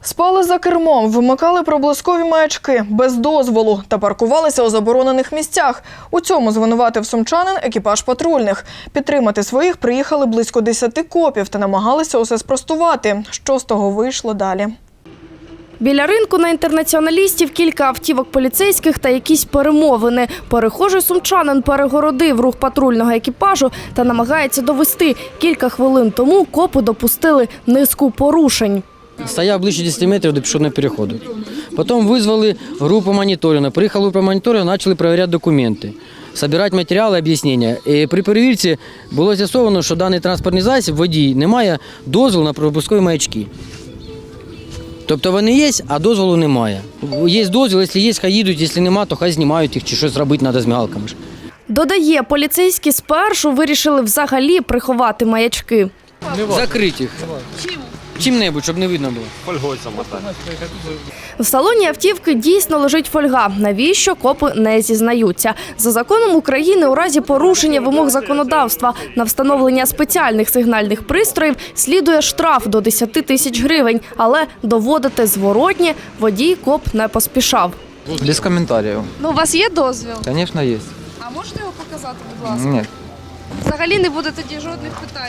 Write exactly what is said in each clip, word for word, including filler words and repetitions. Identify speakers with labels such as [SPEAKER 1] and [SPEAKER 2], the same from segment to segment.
[SPEAKER 1] Спали за кермом, вимикали проблискові маячки без дозволу та паркувалися у заборонених місцях. У цьому звинуватив сумчанин екіпаж патрульних. Підтримати своїх приїхали близько десяти копів та намагалися усе спростувати. Що з того вийшло далі?
[SPEAKER 2] Біля ринку на Інтернаціоналістів кілька автівок поліцейських та якісь перемовини. Перехожий сумчанин перегородив рух патрульного екіпажу та намагається довести. Кілька хвилин тому копи допустили низку порушень.
[SPEAKER 3] Стояв ближче десяти метрів до пішохідного переходу. Потім визвали групу моніторингу. Приїхала група моніторингу, почали перевіряти документи, збирати матеріали, об'яснення. І при перевірці було з'ясовано, що даний транспортний засіб, водій, не має дозволу на пропускові маячки. Тобто вони є, а дозволу немає. Є дозвіл, якщо є, хай їдуть, якщо немає, то хай знімають їх чи щось робити треба з мигалками.
[SPEAKER 2] Додає, поліцейські спершу вирішили взагалі приховати маячки.
[SPEAKER 3] Закрити їх.
[SPEAKER 2] Чим?
[SPEAKER 3] Чим-небудь, щоб не видно було.
[SPEAKER 4] Фольгою замотати.
[SPEAKER 2] В салоні автівки дійсно лежить фольга. Навіщо, копи не зізнаються. За законом України у разі порушення вимог законодавства на встановлення спеціальних сигнальних пристроїв слідує штраф до десяти тисяч гривень. Але доводити зворотнє водій коп не поспішав.
[SPEAKER 5] Без комментариев.
[SPEAKER 2] Ну, у вас є дозвіл?
[SPEAKER 5] Конечно, есть.
[SPEAKER 2] А можете його показати, будь ласка?
[SPEAKER 5] Нет.
[SPEAKER 2] Взагалі не буде тоді жодних питань.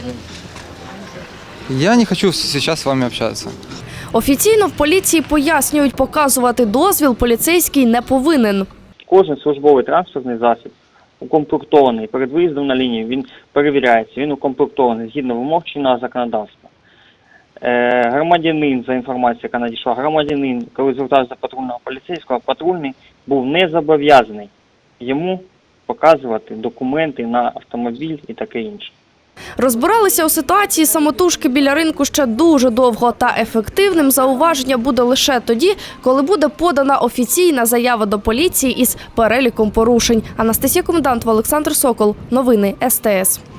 [SPEAKER 5] Я не хочу сейчас с вами общаться.
[SPEAKER 2] Офіційно в поліції пояснюють, показувати дозвіл поліцейський не повинен.
[SPEAKER 6] Кожен службовий транспортний засіб укомплектований перед виїздом на лінію, він перевіряється, він укомплектований згідно вимог чинного законодавства. Е, громадянин, за інформацією, яка надійшла, громадянин, коли звертався до патрульного поліцейського, патрульний був не зобов'язаний йому показувати документи на автомобіль і таке інше.
[SPEAKER 2] Розбиралися у ситуації самотужки біля ринку ще дуже довго, та ефективним зауваження буде лише тоді, коли буде подана офіційна заява до поліції із переліком порушень. Анастасія Комендант, Олександр Сокол. Новини ес те ес.